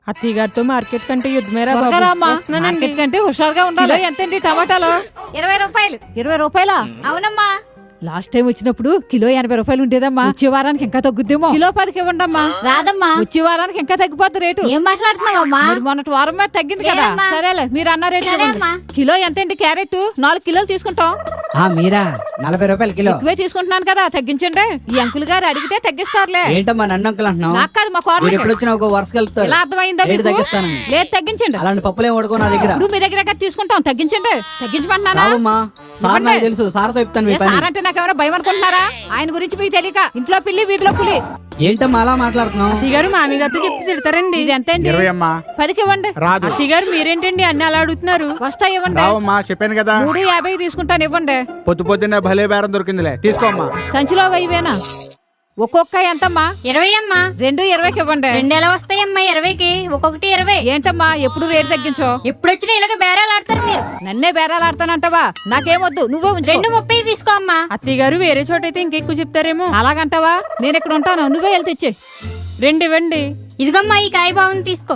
అత్తయ్య గారితో మార్కెట్ కంటే యుద్ధమేరా మార్కెట్ కంటే హుషారుగా ఉండాలి. ఎంతండి టమాటాలు? 20 రూపాయలు. 20 రూపాయలా? అవునమ్మా. లాస్ట్ టైం వచ్చినప్పుడు కిలో 80 రూపాయలు ఉండేదమ్మా. వచ్చే వారానికి ఇంకా తగ్గుద్దేమో. కిలో 10కి ఇవ్వండమ్మా. రాదమ్మా. వచ్చే వారానికి ఇంకా తగ్గిపోద్ది రేటు. ఏం మాట్లాడుతున్నావమ్మా? మొన్నటి వారం మీద తగ్గింది కదా. లేదమ్మా. సరేలే మీరు అన్న రేటు సరేమ్మా. కిలో ఎంతండి క్యారెట్? 4 కిలోలు తీసుకుంటాం. మీరా 40 రూపాయలు కిలో. ఎక్కువే తీసుకుంటున్నాను కదా, తగ్గించండి. ఈ అంకుల్ గారు అడిగితే తగ్గిస్తారులే. ఏంటమ్మా నన్ను అంకుల్ అంటున్నావు? నాకు కాదు, మా మీరు ఎప్పుడు వచ్చినా ఒక వరుస కలుపుతారు. ఎలా అర్థమైందో రేటు మీకు? తగ్గిస్తానని. లేదు తగ్గించండి. అలాంటి పప్పులేం వడుకో నా దగ్గర. ఇప్పుడు మీ దగ్గర తీసుకుంటాం, తగ్గించండి. తగ్గించమంటున్నానా? రావమ్మా, సార్ నాకు తెలుసు, సార్తో చెప్తాను మీ పని. సార్ అంటే నాకేమైనా భయం అనుకుంటున్నారా? ఆయన గురించి మీకు తెలియక ఇంట్లో పిల్లి వీధిలో పులి. ఏంటమ్మా అలా మాట్లాడుతున్నావు? అత్తయ్య గారు మామి గారితో చెప్తే తిడతారండి. ఇది ఎంతండి? 20 అమ్మా. 10కి ఇవ్వండి. రాదు. అత్తయ్య గారు మీరేంటండి అన్ని అలా అడుగుతున్నారు? వస్తాయి ఇవ్వండి. రావమ్మా, చెప్పాను కదా. 3.50 తీసుకుంటాను, ఇవ్వండి. పొద్దున్నే భలే బేరం దొరికిందిలే, తీసుకోమ్మా. సంచిలో 1000 ఒక్కొక్క ఎంతమ్మా? 20 అమ్మా. 2 20కి ఇవ్వండి. 2 ఎలా వస్తాయమ్మా 20కి? ఒక్కొక్కటి 20. ఏంటమ్మా ఎప్పుడు రేటు తగ్గించో? ఎప్పుడు వచ్చినా ఇలాగ బేరాలు ఆడతారు మీరు. నన్నే బేరాలాడతానంటావా? నాకేమొద్దు, నువ్వే ఉంచు. 2.30 తీసుకో అమ్మా. అత్తయ్య గారు వేరే చోట అయితే ఇంకెక్కువ చెప్తారేమో. అలాగంటావా? నేను ఇక్కడ ఉంటాను, నువ్వే వెళ్తే ఇచ్చే. 2 ఇవ్వండి. ఇదిగమ్మా ఈ కాయ బాగుంది, తీసుకో.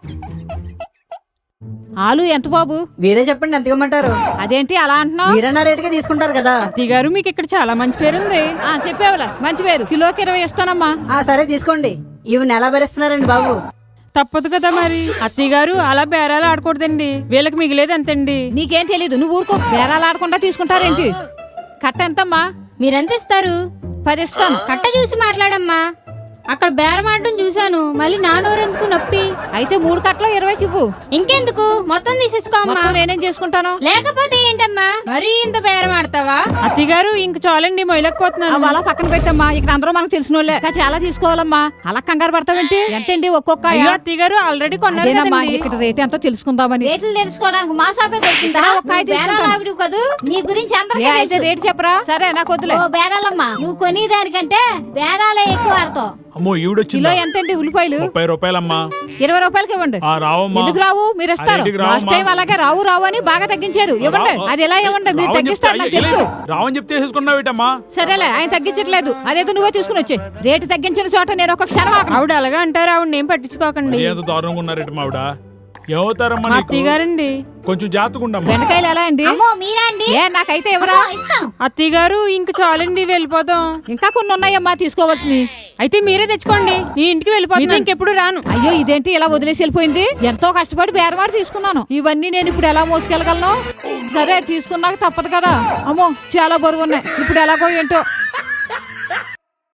ఆలు ఎంత బాబు? మీరే చెప్పండి ఎంత ఇవ్వమంటారు? అదేంటి అలా అంటున్నావు? మీరన్నా రేటుగా తీసుకుంటారు కదా. అత్తయ్య గారు మీకు ఇక్కడ చాలా మంచి పేరుంది. చెప్పేవలా మంచి పేరు. కిలోకి 20 ఇస్తానమ్మా. సరే తీసుకోండి. ఇవి నెల భరిస్తున్నారండి బాబు. తప్పదు కదా మరి. అత్తయ్య గారు అలా బేరాలు ఆడకూడదండి, వీళ్ళకి మిగిలేదు అంతండి. నీకేం తెలీదు, నువ్వు ఊరుకో. బేరాలాడకుండా తీసుకుంటారేంటి? కట్ట ఎంతమ్మా? మీరెంత ఇస్తారు? 10 ఇస్తాను. కట్ట చూసి మాట్లాడమ్మా. అక్కడ బేరం ఆడడం చూశాను, మళ్ళీ నానోరెందుకు నొప్పి. అయితే 3 కట్టలో 20కి ఇవ్వు. ఇంకెందుకు, మొత్తం తీసేసుకో అమ్మా. మొత్తం నేనేం చేసుకుంటాను? లేకపోతే ఏంటమ్మా మరీ ఇంత బేరం ఆడతావా? అత్తయ్య గారు ఇంక చాలండి, మొయలేకపోతున్నాను. అలా పక్కన పెట్టమ్మా. ఇక్కడ అందరూ మనకు తెలిసిన వాళ్ళే. చాలా తీసుకోవాలమ్మా. అలా కంగారు పడతావేంటి? ఎంతండి ఒక్కొక్క? అయ్యో అత్తయ్య గారు ఆల్రెడీ కొన్నారు అదేనమ్మా, కదండి. ఇక్కడ రేట్ ఎంతో తెలుసుకుందామని. రేట్లు తెలుసుకోవడానికి మా షాపే దొరికిందా? ఒక కాయ తీసుకుంటాను. బేరాలు కదూ, నీ గురించి అందరికీ అయితే తెలుసు. రేట్ చెప్పరా? సరే నాకు వద్దులే. ఓ బేరాలమ్మా, నువ్వు కొనేదానికంటే బేరాలే ఎక్కువ ఆడతావు. అమ్మో ఈవిడొచ్చిందా? కిలో ఎంతండి ఉల్లిపాయలు? 30 రూపాయలమ్మా. 20 రూపాయలకి ఇవ్వండి. రావమ్మా. ఎందుకు రావు? మీరు ఇస్తారు. అదేంటికి రావమ్మా? లాస్ట్ టైం అలాగే రావు రావు అని బాగా తగ్గించారు. ఇవ్వండి. అది ఎలా ఇవ్వండి? మీరు తగ్గిస్తారు నాకు తెలుసు. రావని చెప్తే వేసుకున్నావేటమ్మా? సరేలే, ఆయన తగ్గించట్లేదు. అదేదో నువ్వే తీసుకుని వచ్చే. రేటు తగ్గించిన చోట నేను ఒక క్షణం ఆగను. ఆవిడ అలాగా అంటారు, ఆవిడ ఏం పట్టించుకోకండి. ఎంత దారుణంగా ఉన్నారేట మావిడ. ఏమవుతారమ్మా నీకు? అత్తయ్య గారండి కొంచెం జాగ్రత్తగా ఉండమ్మా. బెండకాయలు ఎలా అండి? అమ్మో మీరా అండి? నాకైతే ఎవరా? ఇస్తాం. అత్తయ్య గారు ఇంక చాలండి, వెళ్ళిపోదాం. ఇంకా కొన్ని ఉన్నాయమ్మా తీసుకోవాల్సినవి. అయితే మీరే తెచ్చుకోండి, నీ ఇంటికి వెళ్ళిపోతాను, ఇంకెప్పుడు రాను. అయ్యో ఇదేంటి ఇలా వదిలేసి వెళ్ళిపోయింది? ఎంతో కష్టపడి బేరమాడి తీసుకున్నాను. ఇవన్నీ నేను ఇప్పుడు ఎలా మోసుకెళ్ళగలను? సరే తీసుకున్నాక తప్పదు కదా. అమ్మో చాలా బరువు ఉన్నాయి. ఇప్పుడు ఎలాగో ఏంటో.